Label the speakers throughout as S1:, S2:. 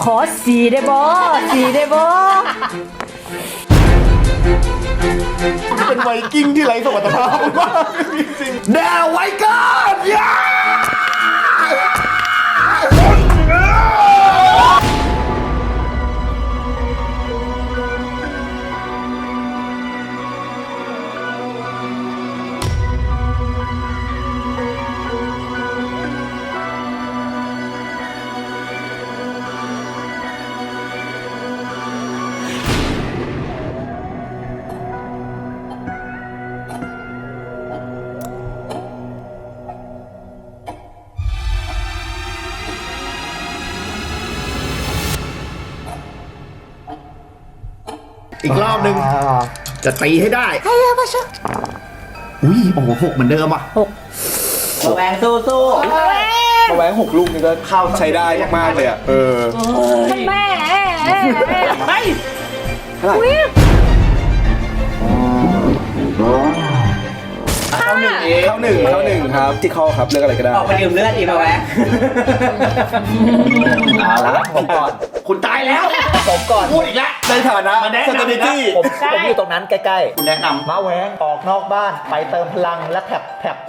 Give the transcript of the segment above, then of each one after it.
S1: ขอสีได้บ่สีได้บ่
S2: เป็นไวกิ้งที่ไร้สมรรถภาพมากจริงๆแดวไวกันย่าอีกรอบหนึ่งจะตีให้ได้อุ้ยโอ้โห6เหมือนเดิมอ่ะ
S1: 6
S3: แหวงสู้
S2: แหวง6 ลูกนี่ก็เข้าใช้ได้มากเลยอ่ะ
S1: แม่ไป
S2: เข้าหนึ่งครับที่เข้าครับเลือกอะไรก็ได้
S3: ออกไปดื่มเลือดอีกมาแหวงเอาละผมก่อน
S2: คุณตายแล้ว
S3: ผมก่อน
S2: พูดอีกแล้วในฐานะสตรีตี้
S3: ผมอยู่ตรงนั้นใกล้ๆ
S2: คุณแนะนำ
S3: มาแหวงออกนอกบ้านไปเติมพลังและแผบ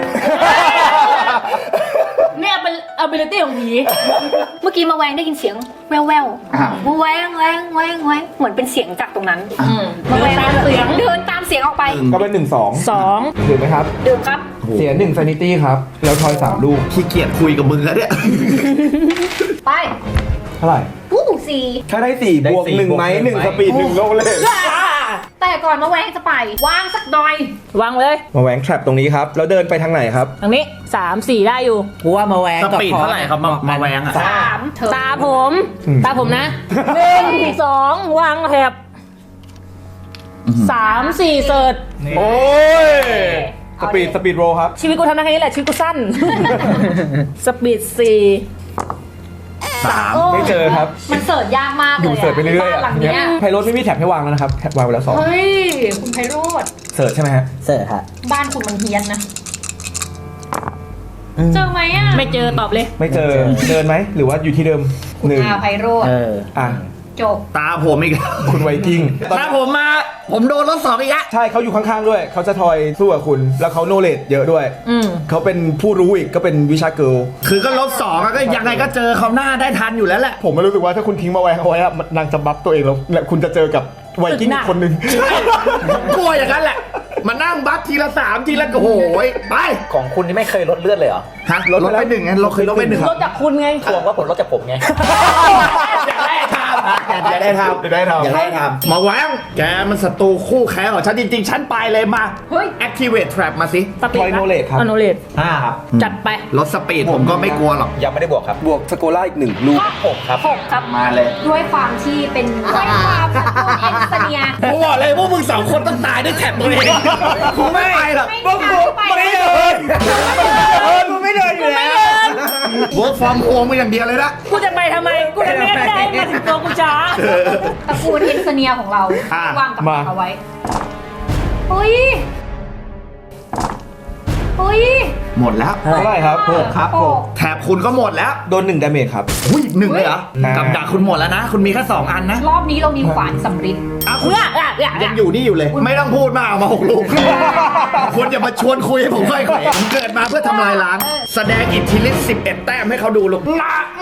S1: เนี่ยเป็น ability ของผีเมื่อกี้มาแวงได้ยินเสียงแววมาแวงเหมือนเป็นเสียงจากตรงนั้นมาแวงตามเสียงเดินตามเสียงออกไป
S4: ก็เป็น2 ดื่มไหมครับ
S1: ดื่มครับ
S4: เสีย1 sanity ครับแล้วทอย3 ลูก
S2: ขี้เกียจคุยกับมึงแล้วเนี่ย
S1: ไป
S4: เท่าไหร่
S1: 4
S4: ถ้าได้4บวก1ไหม1สปีด1โลเลย
S1: แต่ก่อนมาแวงจะไปวางสักหน่อยวางเลย
S4: มาแหวงแทรปตรงนี้ครับแล้วเดินไปทางไหนครับ
S1: ทางนี้3 4ได้อยู่
S3: กูว่ามาแหวง
S2: สปีดเท่าไหร่ครับมาแหวงอ่ะ
S1: 3ตาผมนะ1 2วางแถบ3 4เสิร์ช
S4: โอ้ยสปีดโรครับ
S1: ชีวิตกูทำได้แค่นี้แหละชีวิตกูสั้นสปีด3
S4: ไม่เจอครับ
S1: มันเสิร์ชยากมากเลย
S4: อยู่เสิร์ชไปเรื่อยๆ
S1: หลังนี้
S4: ไพโรจน์ไม่มีแท็บให้วางแล้วนะครับแท็บวางไว้แล้ว2
S1: เฮ้ยคุณไพโรจน์
S4: เสิร์ชใช่ไหมฮะ
S3: เสิร์ชฮะ
S1: บ้านคุณมันเฮี้ยนนะเจอไหมอ่ะไม่เจอตอบเลย
S4: ไม่เจอเดินไหมหรือว่าอยู่ที่เดิม
S1: 1ไพโรจน์จบ
S2: ตาผมอีก
S4: คุณไวกิ้ง
S2: ตาผมโดนรถสอบอีกแล้ว
S4: ใช่เขาอยู่ข้างๆด้วยเขาจะทอยสู้กับคุณแล้วเขาโนเลดเยอะด้วยเขาเป็นผู้รู้อีกก็เป็นวิชาเกิร์ล
S2: คือก็รถ2ก็ยังไงก็เจอเขาหน้าได้ทันอยู่แล้วแหละ
S4: ผมไม่รู้สึกว่าถ้าคุณทิ้งมาแวงเอาไว้อะนางจะบัฟตัวเองแล้วคุณจะเจอกับไวกิ้งอีกคนนึง
S2: กลัวอย่างนั้นแหละมานั่งบัฟทีละ3ทีละโอ้โหไป
S3: ของคุณนี่ไม่เคยลดเลือดเลยเหรอ
S2: ฮะลดไป1ไงลดไป1
S1: ลดจากคุณไง
S3: ทวงว่าผลลดจากผมไง
S2: อยากได้ทำมาแหวงแกมันศัตรูคู่แข่งของฉันจริงๆฉันไปเลยมา activate trap มาสิ
S4: ทอยโนเลดครับ
S1: โนเลด
S3: 5ครับ
S1: จัดไป
S2: ลดสปีดผมก็ไม่กลัวหรอก
S3: ยังไม่ได้บวกครับ
S4: บวกสโกล่าอีก1 ลูก
S3: 6ครับ
S2: มาเลย
S1: ด้วยความที่เป็นด้วยความศัตรูเอ็นเซเนีย
S2: กูบอกเลยพวกมึง2 คนต้องตายด้วยแท็บตัวเองกูไม่ไปหรอกพวกกูไม่เดินกูไม่เดินอยู่แล้วwork from home อย่างเดียวเลยนะ
S1: กูจะไปทำไมกูจะไม่ได้มาถึงตัวกูช้าตระกูลเอ็นเซเนียของเราวางกับเอาไว้เฮ้ย
S2: หมดแล้ว
S4: เท่าไหร่ครับ
S2: 6ครับแถบคุณก็หมดแล้ว
S4: โดน1 ดาเมจครับ
S2: อุ้ย1เลยเหรอกับดักคุณหมดแล้วนะคุณมีแค่2 อันนะ
S1: รอบนี้เรามีขวานสำริด
S2: คุณยังอยู่นี่อยู่เลยไม่ต้องพูดมากเอามา6 ลูกคุณอย่ามาชวนคุยให้ผมค่อยๆผมเกิดมาเพื่อทำลายล้างแสดงอิทธิฤทธิ์11 แต้มให้เขาดูลูกนะโม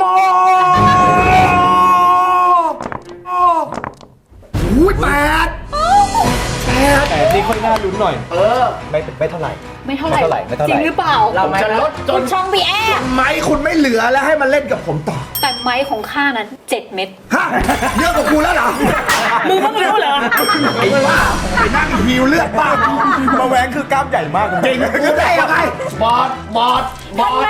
S2: อุ้ย
S4: 8นี่ค่อยน่าลุ้นหน่อย
S3: ไม่เท่าไหร่
S1: จริงหรือเปล่า
S2: ผมจะลดจน
S1: ช่องพี่แอร์
S2: ไม้คุณไม่เหลือแล้วให้มาเล่นกับผมต่อ
S1: แต่ไม้ของข้านั้น7 เม็ด
S2: ฮะเยอะกว่ากูแล้วเหรอ
S1: มึงก็ไม่รู้เหรอ
S2: ไอ้ว่าไอ้นั่งหิวเลือดป้า
S4: มาแหวงคือกล้ามใหญ่มาก
S2: จริงกูได้ยังไงบอด
S1: ไป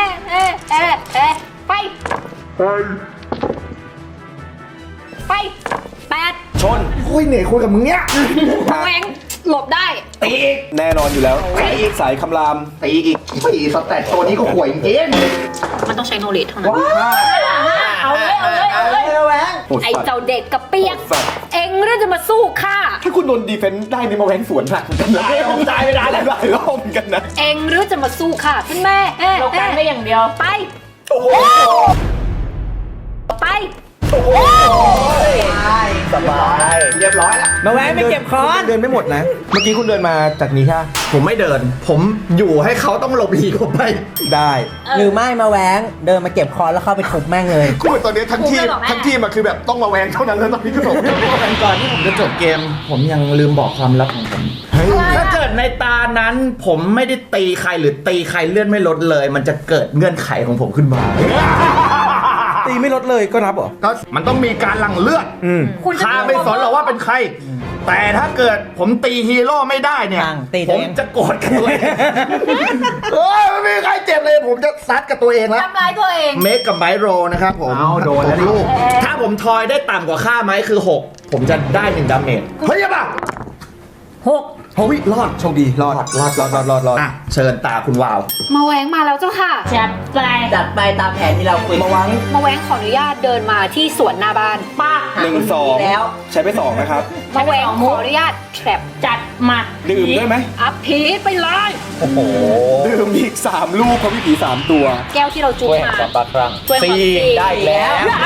S1: 8
S2: ชนโอ้ยเหนื่อยคุยกับมึงเนี้ย
S1: แหวงหลบได้
S2: ตีอีก
S4: แน่นอนอยู่แล้วสายคำราม
S2: ตีอีกสแตทตัวนี้ก็ห่วยจริง
S1: มันต้องใช้โนเลจเท่านั้นเอาเลยไอ้เจ้าเด็กกับเปียกเอ็งเรื่องจะมาสู้ข้า
S4: ถ้าคุณโดนดีเฟนส์ได้นี่มาแหวงสวนหนัก
S2: ผมตายไม่ได้
S4: หลายรอบเหมือนกันนะ
S1: เอ็งเรื่องจะมาสู้ข้าคุณแม่เราการได้อย่างเดียวไป
S3: สบาย
S2: เรียบร้อยแล้ว
S3: มาแวงไม่เก็บค้อน
S4: เดินไม่หมดนะ เมื่อกี้คุณเดินมาจากนี้ใช่ไหม
S2: ผมไม่เดิน ผมอยู่ให้เขาต้องหลบหลีกผมไป
S4: ได้
S3: หรือไม่มาแวงเดินมาเก็บค้อนแล้วเข้าไปทุบแม่งเลย
S4: กูตอนนี้ทั้งทีมอะคือแบบต้องมาแวงเท่านั้นแล้วตอนนี้ก็บอก
S2: ก่อนที่ผมจะจบเกม ผมยังลืมบอกความลับของผม ถ้าเกิดในตานั้นผมไม่ได้ตีใครหรือตีใครเลื่อนไม่ลดเลย มันจะเกิดเงื่อนไขของผมขึ้นมา
S4: ตีไม่ลดเลยก็นับเหรอ
S2: ก็มันต้องมีการหลั่งเลือด
S1: คุณจะ
S2: ข้าไม่สนหรอกว่าเป็นใคร แต่ถ้าเกิดผมตีฮีโร่ไม่ได้เนี่ย
S3: ตีตั
S2: ผ
S3: ว
S2: ม
S3: เอง
S2: จะโกรธกับตัวเองไม่มีใครเจ็บเลย ผมจะซัดกับตัวเองแล้ว
S1: ทำร้ายตัวเอง
S2: เมคกับไมโรนะครับผม
S4: เอาโดนแล้วดิ
S2: ลูกถ้าผมทอยได้ต่ำกว่าค่าไม้คือ 6 ผมจะได้1ดาเมจเฮ้ยป่ะ
S1: 6
S2: เฮ้ยรอด
S4: โชคดีรอด
S2: อ่ะเชิญตาคุณวาว
S1: มาแวงมาแล้วเจ้าค่ะ
S5: จัดไป
S3: จัดไปตามแผนที่เราคุย
S4: มาวัง
S1: มาแวงขออนุญาตเดินมาที่สวนหน้าบ้าน
S5: ป้า
S4: 1 2
S3: แล้ว
S4: ใช้ไป 2 นะครับ
S1: มาแวงขออนุญาตแทรป
S5: จัดมา
S4: ดื่มได้ไหม
S1: อัพพีทไปเลย
S3: โอ้โห
S4: ดื่มอีก 3 ลูกเพราะพี่ผี3 ตัว
S1: แก้วที่เราจุ๊บ
S3: ช่วยแห่ง
S1: มา
S3: ความรักครั้ง
S1: ช่วยความ
S3: สี่ได้แล้ว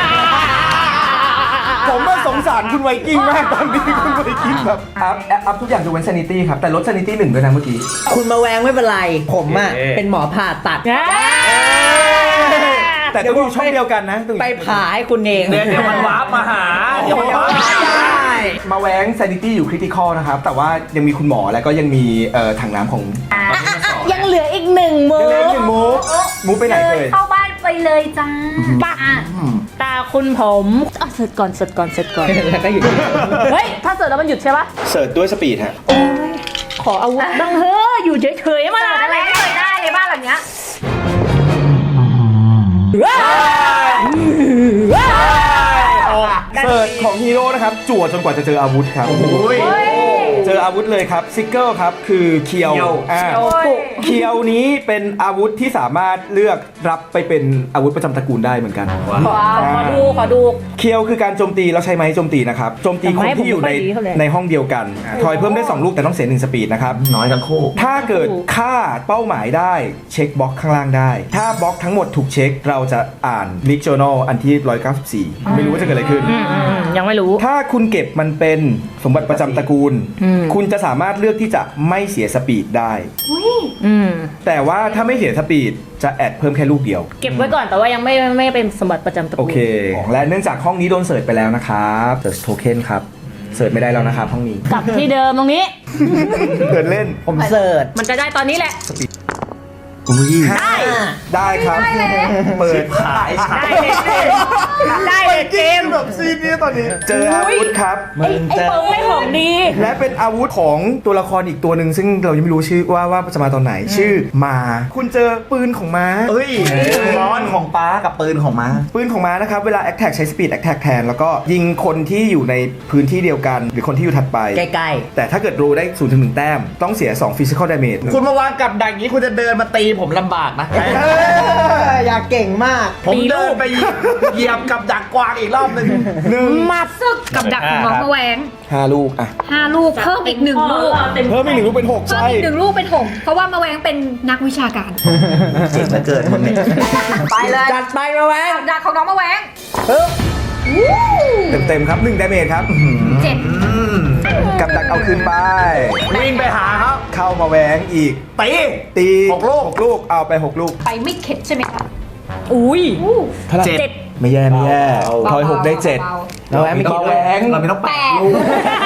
S4: ผมว่าสงสารคุณไวกิ้งมากตอนนี้คุณไวกิ้งแบบอัพทุกอย่างยกเว้น sanity ครับ แต่ลด sanity 1ด้วยนะเมื่อกี้
S3: คุณมาแวงไม่เป็นไร ผมอ่ะ เป็นหมอผ่าตัด
S4: แต่ต้องอยู่ช่องเดียวกันนะต้องอยู่
S3: ไปผ่าให้คุณเอง
S2: เดี๋ยวมันวาร์ปมาหา เดี๋ยวมันวาร์ปมาหา
S4: มาแว้ง sanity อยู่ critical นะครับ แต่ว่ายังมีคุณหมอแล้วก็ยังมีถังน้ำของ
S5: ยังเหลืออีก1มู
S4: เล็กๆหนึ่งมูฟไปไหนเลย
S1: เข้าบ้านไปเลยจ้า
S5: ป้าตาคุณผมเสร็จก่อน
S3: แล้วก็อยู่
S5: เฮ้ย ถ้าเสร็จแล้วมันหยุดใช่ปะ
S4: เสิร์ชด้วยสปีดฮะ
S5: ขออาวุธบ้างเฮ้ยอยู่เฉยๆมา
S1: อะไรไม่เคยได้เลยบ้านหลังเนี้ย
S4: เสิร์ชของฮีโร่นะครับ จั่วจนกว่าจะเจออาวุธครับ เจออาวุธเลยครับซิกเกิลครับคือเคียวเคียวนี้เป็นอาวุธที่สามารถเลือกรับไปเป็นอาวุธประจำตระกูลได้เหมือนกัน
S5: ขอดู
S4: เคียวคือการโจมตีแล้วใช้ไม้โจมตีนะครับโจมตีคนที่อยู่ใน
S5: แต่ไม้ผมไม่ค่อยดีเท่าไหร่
S4: ในห้องเดียวกันทอยเพิ่มได้2 ลูกแต่ต้องเสีย1สปีดนะครับ
S2: น้อยทั้งคู่
S4: ถ้าเกิดฆ่าเป้าหมายได้เช็คบล็อกข้างล่างได้ ถ้าบล็อกทั้งหมดถูกเช็คเราจะอ่านลิกโจนอลอันที่194ไม่รู้ว่าจะเกิดอะไรขึ้น
S5: ยังไม่รู้
S4: ถ้าคุณเก็บมันเป็นสมบัติประจำตระกูล คุณจะสามารถเลือกที่จะไม่เสียสปีดได้ แต่ว่าถ้าไม่เสียสปีดจะแอดเพิ่มแค่ลูกเดียว
S5: เก็บไว้ก่อนแต่ว่ายังไม่เป็นสมบัติประจำตระ
S4: โอ
S5: กูล
S4: เค และเนื่องจากห้องนี้โดนเสิร์ชไปแล้วนะครับเสิร์ชโทเค็นครับ เสิร์ชไม่ได้แล้วนะครับห้องนี้
S5: กลับที่เดิมตรงนี้
S4: เดินเล่น
S3: ผมเสิร์ช
S5: มันจะได้ตอนนี้แหละ
S4: ได้ครับ เปิดขาย
S5: ได้เลยเกม
S4: แบบซีนนี้ตอนนี้ เจออาวุธครับ
S5: ไอ้เปิงไม่ของดี
S4: และเป็นอาวุธของตัวละครอีกตัวหนึ่งซึ่งเรายังไม่รู้ชื่อว่าจะมาตอนไหน ชื่อมา คุณเจอปืนของม้า
S2: เอ้ยร้อนของป้ากับปืนของม้า
S4: ปืนของม้านะครับ เวลา attack ใช้ speed attack แทน แล้วก็ยิงคนที่อยู่ในพื้นที่เดียวกัน หรือคนที่อยู่ถัดไป
S3: ใกล้
S4: แต่ถ้าเกิดรู้ได้ 0-1 แต้ม ต้องเสีย 2 physical damage
S2: คุณมาวางกับดักอย่างนี้คุณจะเดินมาตีผมลำบากนะ
S3: อยากเก่งมาก
S2: ผมเดินไปเหยียบกับดักกวางอีกรอบหนึ่ง
S1: มาซึกกับดักของน้องมาแวง
S4: 5 ลูกอ่ะ
S1: 5 ลูกเพิ่มอีก 1 ลูก
S4: เพิ่มอีก1 ลูกเป็น 6
S1: เพิ่ม
S4: ใช่
S1: อีก1 ลูกเป็น6เพราะว่ามาแวงเป็นนักวิชาการ
S2: เจ๋งเหลือเกินมึงเนี่ย
S1: ไปเลย
S3: จัดไปมาแวง
S1: กับดักของน้องมาแวง
S4: เต็มๆครับ 1 damage ครับ
S1: 7
S4: กับดักเอาคืนไป
S2: วิ่งไปหาครับ
S4: เข้ามาแหวงอีก
S2: ตี
S4: ตี
S2: 6 ลูก
S4: 6 ลูก เอาไป 6 ลูก
S1: ไปไม่เข็ดใช่ไหมคะ
S5: อุ้ย
S4: เท่าไหร่
S2: 7
S4: ไม่แย่ไม่แย่ทอย 6 ได้ 7
S1: เบา
S3: มาแวงไม่คิด
S4: มาแหวง
S2: เราไม่ต้อง
S1: ๆ
S2: แปะ
S1: 8
S2: ลูก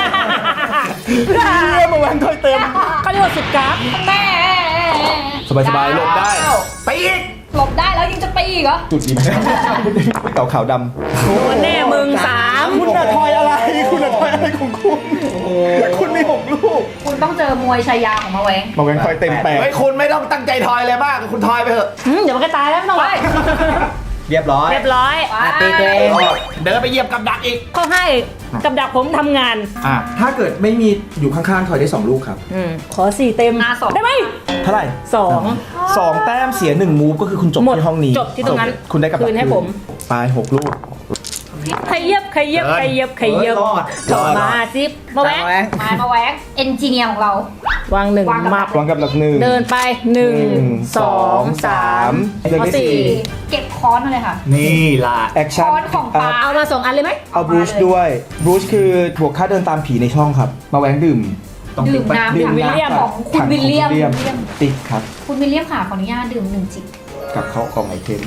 S4: มาแหวงทอยเต็ม
S5: เขาเรียกว่าสุดกราฟ
S1: แม่
S4: สบายๆหลบได้
S2: ตีอีก
S1: หลบได้แล้วยังจะปีอีกเหรอ
S4: จุดนี้เก่าขาวดำ
S5: โดนแน่มึง3
S4: คุณน่ะทอยอะไร คุณน่ะทอยอะไรของคุณ คุณมี 6 ลูก
S1: คุณต้องเจอมวยชายาของมาแวง
S4: มาแหวงทอยเต็มแปด
S2: เฮ้ยคุณไม่ต้องตั้งใจทอยเลยมาก คุณทอยไปเถอะ
S5: เดี๋ยวมันก็ตายแล้วไม่ต้อง
S1: ไป
S5: ไว้
S3: เรียบร้อย
S5: เรียบร้อย
S3: ตีตัวเอง
S2: เดินไปเหยียบกับดักอีก
S5: เขาให้กับดักผมทำงาน
S4: ถ้าเกิดไม่มีอยู่ข้างๆ ถอยได้ 2 ลูกครับ
S5: ขอ4 เต็ม
S1: อ่ะ2
S5: ได้ไหม
S4: เท่าไหร่ 2 แต้มเสีย 1 มูฟก็คือคุณจบ
S5: หมด
S4: ที่ห้องนี้
S5: จบที่ตรงนั้น
S4: คุณได้กับดัก
S5: คืนให้ผม
S4: ไป 6 ลูก
S5: ขยับขยับขยับขยับ
S2: รอด
S5: ต่อมาซิปมาแวง
S1: มาแหวงเอนจิเนียร์ของเรา
S5: วางหนึ่ง
S1: วางกับ
S5: มับ
S4: วางกับหลักหนึ่ง
S5: เดินไปหนึ่งสองสาม
S4: เดินได้
S5: สี่
S4: สี่
S1: เก็บค้อนมาเลยค่ะ
S2: นี่ล่ะ
S4: แอคชั่น
S1: ค้อนของปลา
S5: เอามา2 อันเลยไหม
S4: เอาบรูชด้วยบรูชคือบวกค่าเดินตามผีในช่องครับ มาแหวงดื่ม
S1: ดื่มน้ำ
S5: ดื่มวิลเลียม
S1: ของคุณวิลเลียม
S4: ติ๊กครับ
S1: คุณวิลเลียมค่ะขออนุญาตดื่ม1 จิบ
S4: กับเขาของไอเทม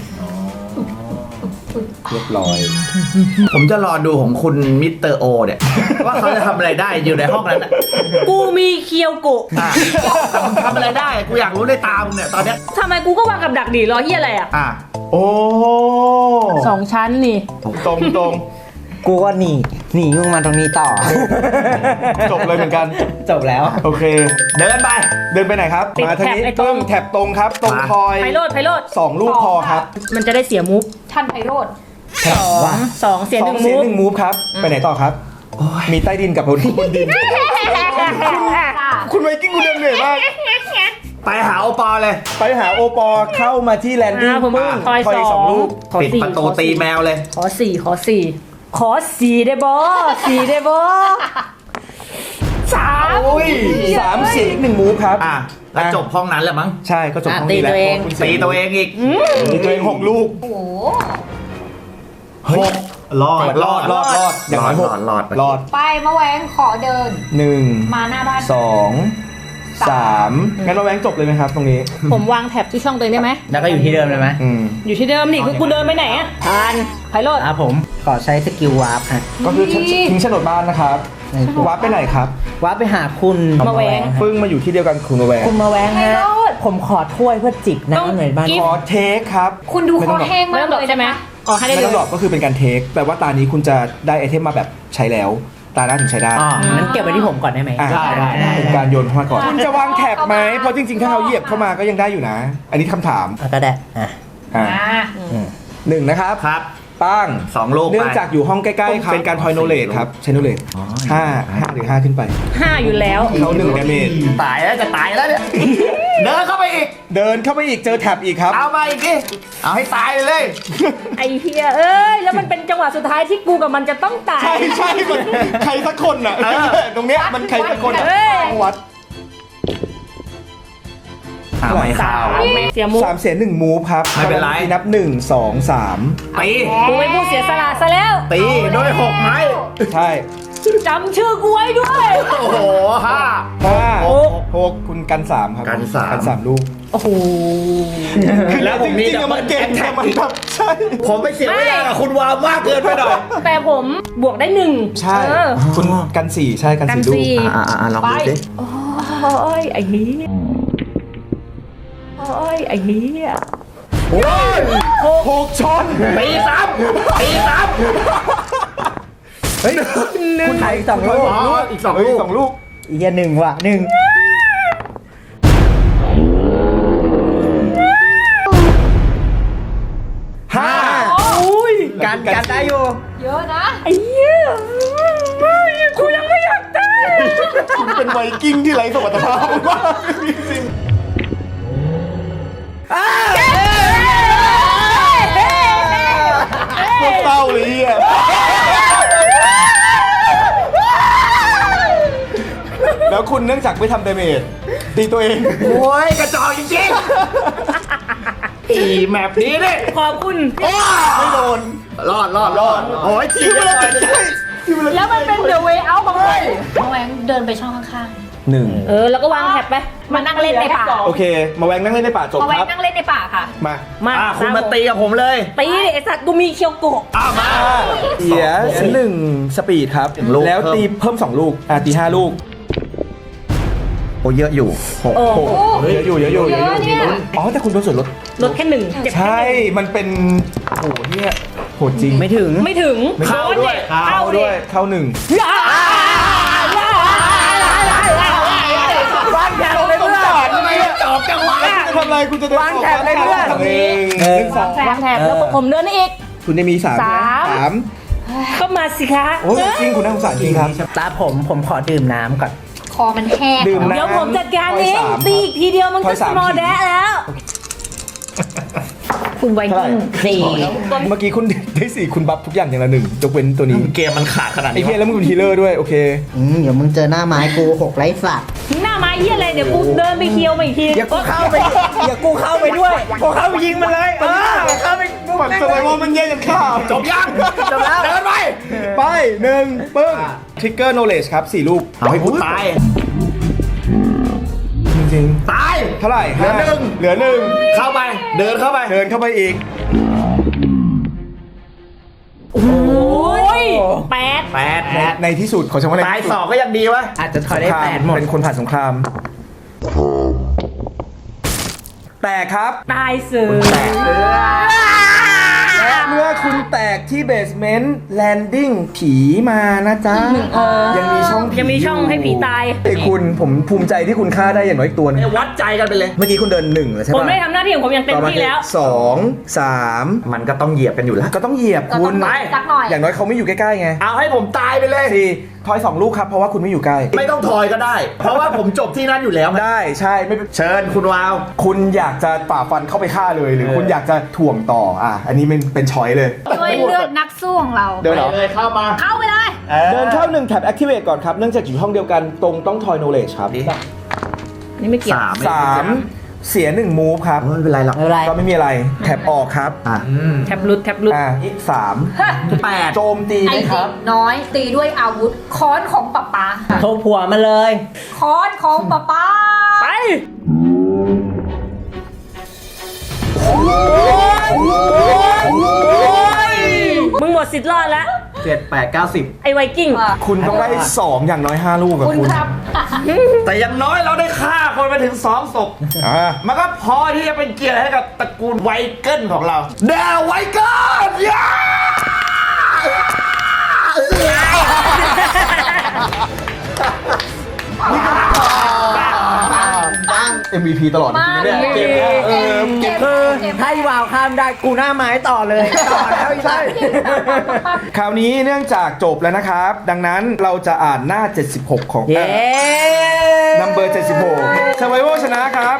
S4: เรียบร้อย
S2: ผมจะรอดูของคุณมิสเตอร์โอเนี่ย ว่าเขาจะทำอะไรได้อยู่ในห้องนั้นน่ะ
S5: กูมีเคียวโกะ
S2: อ่ะทำอะไรได้กูอยากรู้ในตามึงเนี่ยตอนเนี้ย
S5: ทำไมกูก็วางกับดักดีรอเฮียอะไรอ่ะ
S2: อ่ะ
S4: โอ้
S5: 2 ชั้นนี่
S4: ตรงตรง
S3: กูก็หนีมึงมาตรงนี้ต่อ
S4: จบเลยเหมือนกัน
S3: จบแล้ว
S4: โอเค
S2: เดินไป
S4: เดินไปไหนครับ
S5: ติด
S4: มาทางนี้
S5: แถบไอ้ตรง
S4: แถบตรงครับ ตรง
S2: มา
S4: คอย
S5: ไพโรดไพโรด
S4: 2 ลูกพอครับ
S5: มันจะได้เสียมูฟ
S1: ท่านไพโรธ
S5: 2เสีย
S4: ส
S5: ห
S4: อ
S5: นึ่
S4: ง
S5: ง
S4: เสีย
S5: มู
S4: ง
S5: ฟ
S4: หนึ่งมูฟครับ ไปไหนต่อครับ มีใต้ดินกับบนดิน คุณไวกิ้งคุณเดินเหนื่อยมาก
S2: ไปหาโอปอเลย
S4: ไปหาโอปอเข้ามาที่แลนดิ้ง
S5: ผม
S4: ปึ้ง
S5: คอย
S4: สองลูก
S5: ขอ
S2: ปิด
S5: สี่
S2: ประตูตีแมวเลย
S5: ขอสี่ขอสี่ขอสี่ได้บอสี่ได้บอสาม
S4: อุ้ย3 เสียงอีก 1 มูฟครับ
S2: อ่ะแล้วจบห้องนั้นแหละมั้ง
S4: ใช่ก็จบห้องนี้แล้ว
S5: ตีตัวเอง
S4: คุณ
S2: ตีตัวเองอีก
S4: ตีตัวเอง6 ลูก
S1: โอ้โห
S2: หกรอด
S4: รอดอย่างน้อยหก
S2: รอด
S4: รอด
S1: ไปมาแหวงขอเดิน
S4: 1
S1: มาหน้าบ้าน
S4: 2 3งั้นเราแวงจบเลยไหมครับตรงนี้
S5: ผมวางแท็บที่ช่องตัวเองได้ไหม
S3: แล้วก็อยู่ที่เดิมเลยไหม
S5: อยู่ที่เดิมนี่คือกูเดินไปไหนอะทานไพโรด
S3: ผมขอใช้สกิลวาร์ปฮะ
S4: ก็คือทิ้งโฉนดบ้านนะครับวัดไปไหนครับ
S3: วาร์ปไปหาคุณ
S5: มาแหวง
S4: ปึ้งมาอยู่ที่เดียวกันคุณมาแวง
S3: คุณมาแวง
S1: ไพ
S3: ฮะ
S1: โรธ
S3: ผมขอถ้วยเพื่อจิบ
S5: ต้อง
S3: น้ำหน่อยบ้าน
S5: กิ๊
S4: ขอเทคครับ
S1: คุณดู
S4: ไม่
S1: ค
S4: ต้
S1: อ
S4: องหรอก
S1: แห้ง
S5: ไม่
S1: มาก
S5: ต้องดอก
S1: เลย
S5: ใช่ไหม
S1: นะคะ
S5: อ๋อให้ได้
S4: ไม่
S5: เล
S4: ต้องหลอก
S5: ย
S4: ก็คือเป็นการเทคแปลว่าตานี้คุณจะได้ไอเทมมาแบบใช้แล้ว ตาหน้าถึงใช้ได้
S3: อ๋องั้นเก็บไว้ที่ผมก่อนได้ไหม
S4: อ่ะ
S2: ได้
S4: เป็นการโยนเข้ามาก่อน คุณจะวางแท็บไหมเพราะจริงๆ ถ้าเขาเหยียบเข้ามาก็ยังได้อยู่นะ อันนี้คำถาม
S3: ก็ได้อ่ะ
S4: อ่ะ
S1: อ่า
S4: 1นะครับ
S2: ครับ
S4: ปั้ง
S2: 2 ลูกไป
S4: เนื่องจากอยู่ห้องใกล้ๆเป็นการทอยโนเลตครับใช้โนเลต5หรือ5ขึ้นไป
S5: 5อยู่แล้ว
S4: เขา1 ดาเมจ
S2: ตายแล้วจะตายแล้วเนี่ย เดินเข้าไปอีก
S4: เดินเข้าไปอีกเจอแท็บอีกครับ
S2: เอามาอีกดิเอาให้ตายเลย
S5: ไอเฮียเอ้ยแล้วมันเป็นจังหวะสุดท้ายที่กูกับมันจะต้องตาย
S4: ใช่มันใครสักคนอ่ะ ตรงเนี้ยมันใครสักคนอ่ะ
S5: เอ้ย
S4: ต้องวัด
S2: เอาไม่เข้า
S5: เสียมูฟ
S4: 3 เสีย1 มูฟครับ
S2: ไม่เป็นไร
S4: นับ 1 2 3
S2: ตี
S5: กูไม่พูดเสียสละซะแล้ว
S2: ตีด้วย 6 ไม้
S4: ใช่
S5: จำชื่อกูไว้ด้วย
S2: โอ้โหห้า
S4: 6คุณกัน 3 ครับ
S2: กันสาม
S4: กัน3 ลูก
S5: โอ้โห
S2: แล้วผมมี
S4: จริงๆอะมันเก่งแต่มันแบบใช่
S2: ผมไปเสียเวลากับคุณวาวมากเกินไปหน่อย
S5: แต่ผมบวกได้1
S4: ใช่
S5: เออ
S4: คุณกัน 4 ใช่กัน
S5: กัน
S4: 4 ลูก
S5: สี่
S2: ลองดูสิ
S5: โอ้ยไอ้เหี้ยโอ้ยไอ้เหี้ย
S2: โอ้ย
S4: 6 ชน
S2: ตีซ้ำตีซ้
S4: เฮ้ย
S3: คุณไทยอีก2 ลูก
S2: ำอีก 2 ลูก
S4: 2 ลูก
S3: อีกหนึ่งว่ะ1
S4: 5 อุ้ย
S3: กันได้อยู่
S1: เยอะนะ
S5: ไอ้เหี้ยกูยังไม่อยากตาย
S4: คุณเป็นไวกิ้งที่ไร้สมรรถภาพมากจริงๆโคตรเศร้าเลยอ่ะแล้วคุณเนื่องจากไม่ทำดาเมจตีตัวเอง
S2: โอ้ยกระจอกจริงๆอีแมปนี้เนี่ย
S5: ขอบคุณ
S4: ไม่โดน
S2: รอดโอ้ยทีมเลย
S5: แล้วมันเป็น the way out บังเลย
S1: มาแหวงเดินไปช่องข้าง
S5: แล้วก็วางแท็บไป
S1: มานั่งเล่นในป่า
S4: โอเค มาแวงนั่งเล่นในป่าจ
S1: ๆ
S4: บ
S1: มาแหว
S4: ค
S1: ง
S4: รับ
S1: นั่งเล่นในป่าค่ะ
S4: มา
S5: มา
S2: คุณมาตีกับผมเลย
S5: ตีดิไอ้สัตว์กูมีเคียวโกะ
S2: มา
S4: เสีย1 สปีดครับ
S2: 1 ลูก
S4: แล้วตีเพิ่ม 2 ลูกตี 5 ลูก
S2: โอ้เยอะอยู่
S5: โอ้โห
S4: เยอะอยู่
S1: เยอะเนี่ย
S4: อ๋อ แต่คุณโดนส่วนลด
S5: ลดแค่1เจ็บแค่
S4: ใช่ มันเป็นโหเนี่ยโหจริง
S3: ไม่ถึง
S5: ไม่ถึง
S2: เข้าด้วย
S5: เข้าด้วย
S4: เข้า 1
S3: วางแถบเลยเพื่อน
S2: ทำไมจอบจังวะ
S4: ทำอะไรคุณจะเดิน
S3: วางแถบเลยเพื่อน
S4: 1
S5: วางแท็บแล้วก็ผมเดินได้อีก
S4: 2คุณจะมี3
S5: ก็มาสิคะ
S4: โอ้ยจริงคุณน่าสงสารจริงครับ
S3: ตาผมขอดื่มน้ำก่อน
S1: คอมันแห้ง
S4: ดื่มน้ำ
S5: เดี๋ยวผมจัดการเอง
S4: ถอยสาม
S5: ตีอีกทีเดียวมัน
S4: ถ
S5: ก็
S4: อย
S5: ส
S4: สาม
S5: มอล
S4: ที
S5: แดะแล้ว คุณไวกิ้ง
S3: 4
S4: เมื่อกี้คุณได้4คุณบัฟทุกอย่างอย่างละ1ยกเว้นตัวนี้
S2: เกมมันขาดขนาด
S4: ไอ้
S2: นี้
S4: เหี้ยแล้วมึงเป็นฮีลเลอร์ด้วยโอเค
S3: เดี๋ยวมึงเจอหน้าไม้กู6ไร้สัตว์
S5: หน้าไม้เหี้ยอะไรเดี๋ยวกูเดินไปเคียวมาอีกที
S3: อย่ากูเข้าไปด้วยกูเข้าไปยิงมันเลยเข้าไป
S4: ฝั่งสไวโวมันแย่กันข้าว
S2: จบยัง
S3: จบแล้ว
S2: เดินไป
S4: ไป1ปึ้งทริกเกอร์โนเลจครับ4รูป
S2: เอาให้กูตาย
S4: จริง
S2: ตาย
S4: ๆเท่าไหร่
S2: เหลือหนึ่ง
S4: เหลือ1
S2: เข้าไป เดินเข้าไป
S4: เดินเข้าไปอีก
S5: โอ้ย8
S2: 8
S4: ในที่สุดขอใช้คำว่าใน
S2: ตาย
S4: ที่สุด
S2: 2ก็ยังดีวะ
S3: อาจจะถอยได้
S4: สงคราม
S3: 8หมด
S4: เป็นคนผ่านสงคราม แต่ครับ
S5: ตายเสือ
S4: และเมื่อคุณแตกที่เบสเมนต์แลนดิ้งผีมานะจ๊ะ ยังมีช่องผี
S5: ยังมีช่องให้ผีตาย
S4: ไอ้คุณผมภูมิใจที่คุณฆ่าได้อย่างน้อยอีกตัวหนึง
S2: วัดใจกันไปเลย
S4: เมื่อกี้คุณเดิน1แล้วใช่
S5: ผม
S4: ปะ
S5: ได้ทำหน้าที่ของผมอย่างเต็มที่แล้ว
S4: 2 3
S2: มันก็ต้องเหยียบกันอยู่แล้ว
S4: ก็ต้องเหยียบ
S1: ก็
S4: คุ
S1: ต้อ
S4: ณ
S1: งสักหน่อย
S4: อย่างน้อยเขาไม่อยู่ใกล้ๆไง
S2: เอาให้ผมตายไปเลย
S4: 4ทอย2ลูกครับเพราะว่าคุณไม่อยู่ใกล้
S2: ไม่ต้องถอยก็ได้ เพราะว่าผมจบที่นั่นอยู่แล้ว
S4: ได้ใช่ไม่เป็น
S2: เชิญคุณวาว
S4: คุณอยากจะฝ่าฟันเข้าไปฆ่าเลยหรือคุณอยากจะถ่วงต่ออันนี้เป็นช้อยเลย
S1: ด้วยเลือดนักสู้ของเรา
S4: เดินเหรอ
S2: เลยเข้ามา
S1: เข้าไปเลย
S4: เดินเข้า1แท็บ activate ก่อนครับ เนื่องจากอยู่ห้องเดียวกันตรงต้องทอย knowledge ครับ
S5: นี่ไม่เกี่ยว
S4: 3 เสีย1 move ครับ
S2: ไม่เป็นไรหรอก
S3: ไม่เป็นไร
S4: ก็ไม่มีอะไรแท็บออกครับ
S5: แท็บลุด
S4: อีก3
S2: 8
S4: โจมตี
S1: ไอ้
S4: ไหมค
S1: เด็
S4: รับ
S1: กน้อยตีด้วยอาวุธค้อนของป๊าป๊า
S3: โทรผัวมาเลย
S1: ค้อนของป๊าป๊า
S5: ไปมึงหมดสิทธิ์รอดแล้ว
S2: 7 8 9 10
S5: ไอ้ไวกิ้ง
S4: คุณต้องได้ 2 อย่างน้อย 5 ลูกกับ
S1: คุณ
S4: คุณ
S1: ครับ
S2: แต่อย่างน้อยเราได้ฆ่าคนไปถึง2ศพ มันก็พอที่จะเป็นเกียรติให้กับตระกูลไวเกิลของเราเดาไวเกิลย่า
S4: MVP ตลอดจริงๆเนี่ยเกมเนี้ย
S1: เกม
S3: ให้วาวข้ามได้กูหน้าไม้ต่อเลยต่อแล้วใช่
S4: คราวนี้เนื่องจากจบแล้วนะครับ ดังนั้นเราจะอ่านหน้า 76 ของ
S3: เย้
S4: number 76 Survival ชนะครับ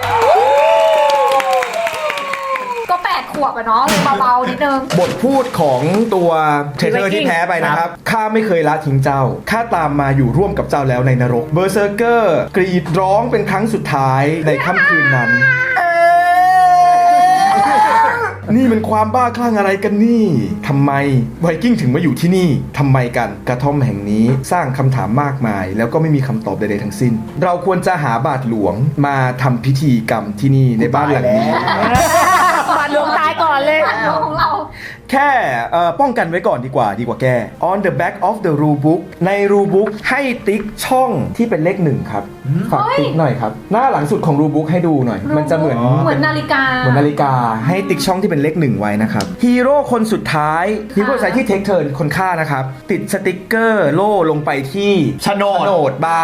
S1: ก็8 ขวบอะเนาะเลยเบาๆนิดนึง
S4: บทพูดของตัวเทเทอร์ที่แพ้ไปนะครับ ข้าไม่เคยละทิ้งเจ้า ข้าตามมาอยู่ร่วมกับเจ้าแล้วในนรก เบอร์เซอร์เกอร์กรีดร้องเป็นครั้งสุดท้ายในค่ำคืนนั้น นี่มันความบ้าคลั่งอะไรกันนี่ ทำไมไวกิ้งถึงมาอยู่ที่นี่ ทำไมกัน กระท่อมแห่งนี้สร้างคำถามมากมาย แล้วก็ไม่มีคำตอบใดๆทั้งสิ้น เราควรจะหาบาทหลวงมาทำพิธีกรรมที่นี่ในบ้านหลังนี้
S5: บาดหลวงตายก่อนเลย
S1: ของเรา
S4: แค่ป้องกันไว้ก่อนดีกว่าแก้ On the back of the rule book ใน rule book ให้ติ๊กช่องที่เป็นเลข1ครับฝากติ๊กหน่อยครับ หน้าหลังสุดของ rule book ให้ดูหน่อย มันจะเหมือน
S1: นาฬิกา
S4: เหมือนนาฬิกาให้ติ๊กช่องที่เป็นเลข1ไว้นะครับฮีโร่คนสุดท้ายฮีโร่สายที่เทคเทิร์นคนฆ่านะครับ ติดสติกเกอร์โล่ลงไปที่โฉนดบ้าน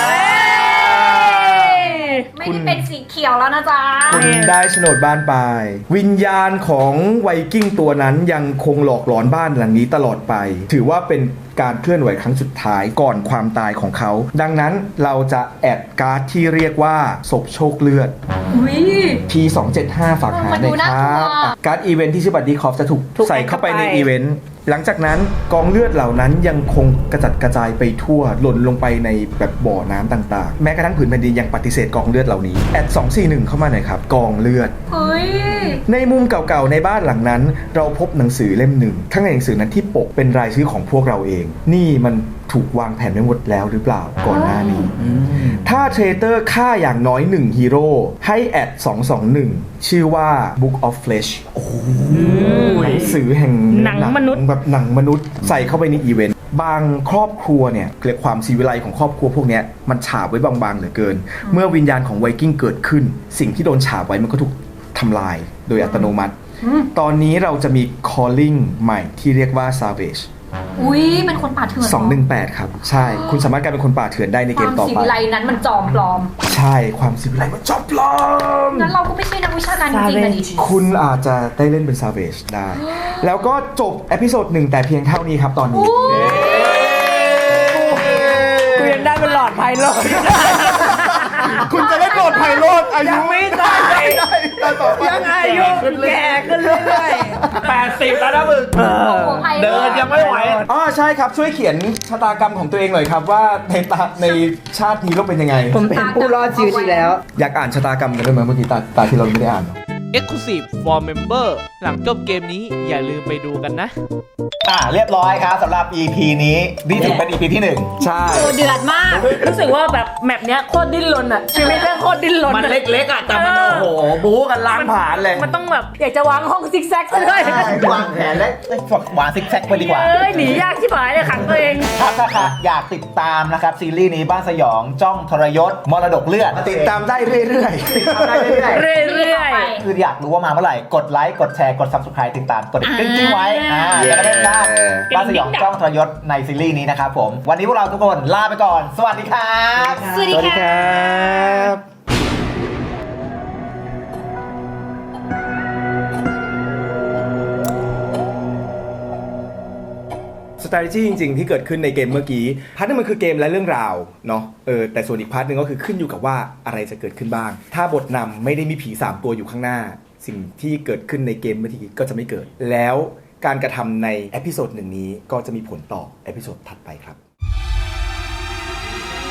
S1: ไม่ได้เป็นสีเขียวแล้วนะจ๊ะ
S4: คุณได้โฉนดบ้านไป วิญญาณของไวกิ้งตัวนั้นยังคงหลอกหลอนบ้านหลังนี้ตลอดไป ถือว่าเป็นการเคลื่อนไหวครั้งสุดท้ายก่อนความตายของเขา ดังนั้นเราจะแอดการ์ดที่เรียกว่าศพโชคเลือด P275 ฝากหาหน่อยครับการ์ดอีเวนท์ที่ชื่อบัตรดีคอฟจะถูกใส่เข้าไปในอีเวนต์หลังจากนั้นกองเลือดเหล่านั้นยังคงกระจัดกระจายไปทั่วหล่นลงไปในแบบบ่อน้ำต่างๆ แม้กระทั่งผืนแผ่นดินยังปฏิเสธกองเลือดเหล่านี้แอด241เข้ามาหน่อยครับกองเลือด
S1: เฮ้ย
S4: ในมุมเก่าๆในบ้านหลังนั้น เราพบหนังสือเล่มหนึ่งข้างในหนังสือนั้นที่ปกเป็นรายชื่อของพวกเราเอง นี่มันถูกวางแผนไว้หมดแล้วหรือเปล่าก่อนหน้านี้ ถ้าเทรเตอร์ฆ่าอย่างน้อย1ฮีโร่ให้แอด221ชื่อว่า Book of Flesh หนังสือแห่ง
S5: หนังมนุษย์
S4: แบบหนังมนุษย์ใส่เข้าไปในอีเวนต์บางครอบครัวเนี่ยเรียกความศิวิไลของครอบครัวพวกเนี้ยมันฉาบไว้บางๆเหลือเกิน เมื่อวิญญาณของไวกิ้งเกิดขึ้น สิ่งที่โดนฉาบไว้มันก็ถูกทำลายโดยอัตโนมัติ ตอนนี้เราจะมี calling ใหม่ที่เรียกว่า savage
S1: อุ้ยเป็นคนป่าเถื่อน
S4: 218 ครับ ใช่ คุณสามารถกลายเป็นคนป่าเถื่อนได้ใน
S1: ค
S4: เก
S1: วาม
S4: มต่อ
S1: สี
S4: ไป
S1: วิไลนั้นมันจอมปลอม
S4: ใช่ ความศิวิไลมันจอบปลอม
S1: งั้นเราก็ไม่ใช่นักวิชาการจริงๆนะดิ
S4: คุณอาจจะได้เล่นเป็น savage ได้ แล้วก็จบเอพิโซด1แต่เพียงเท่านี้ครับตอนนี้
S3: กูยังได้เป็นหลอดไพโลด
S4: คุณจะได้โปรดไพโรธอายุ
S3: ยังไม่ตาย
S4: ต่อไป
S3: ยังอายุแก่ขึ้นเรื่อยๆ80แล้วนะมึง
S1: โอ้โหไพโรจน์
S3: เดินยังไม่ไหว
S4: อ๋อใช่ครับช่วยเขียนชะตากรรมของตัวเองหน่อยครับว่าในชาตินี้เราเป็นยังไง
S3: ผมเป็นผู้รอดชีวิตอีกแล้ว
S4: อยากอ่านชะตากรรมกันด้วยไหมเมื่อกี้ตาที่เราไม่ได้อ่าน
S6: Exclusive for Member หลังจบเกมนี้อย่าลืมไปดูกันนะ
S2: เรียบร้อยครับสำหรับ EP นี้นี่ถือเป็น EP ที่ 1
S4: ใช่
S1: โอ้เดือดมาก
S5: รู้สึกว่าแบบแมปเนี้ยโคตรดิ้นรนอะชีวิตแม่งโคตรดิ้นรน
S3: มัน
S5: อะ
S3: เล็กๆอ่ะแต่มันโอ้โหบู๊กันล้างผ่านเลย
S5: มันต้องแบบอยากจะวางห้องซิกแซกซะด้วย
S2: วางแผนและวางซิกแซกไปดีกว่า
S5: เอ้ยหนียากชิบหายเลยขังตัวเอง
S2: ครับถ้าอยากติดตามนะครับซีรีส์นี้บ้านสยองจ้องทรยศมรดกเลือด
S4: ติดตามได้เรื่อย
S2: ติดตามได้เรื่อย
S5: เรื่อย
S2: คืออยากรู้ว่ามาเมื่อไหร่กดไลค์กดแชร์กด Subscribe ติดตามกดกริ๊งๆไว้จะได้ไม่พลาดบ้านสยองจ้องทรยศในซีรีส์นี้นะครับผมวันนี้พวกเราทุกคนลาไปก่อน สวัสดีครับ
S1: สวัสดีค่ะ
S4: strategy จริงๆ ที่เกิดขึ้นในเกมเมื่อกี้พาร์ทนึงมันคือเกมและเรื่องราวเนาะแต่ส่วนอีกพาร์ทนึงก็คือขึ้นอยู่กับว่าอะไรจะเกิดขึ้นบ้าง ถ้าบทนำไม่ได้มีผี3ตัวอยู่ข้างหน้า สิ่งที่เกิดขึ้นในเกมเมื่อกี้ก็จะไม่เกิด แล้วการกระทำในเอพิโซด1นี้ก็จะมีผลต่อเอพิโซดถัดไปครับ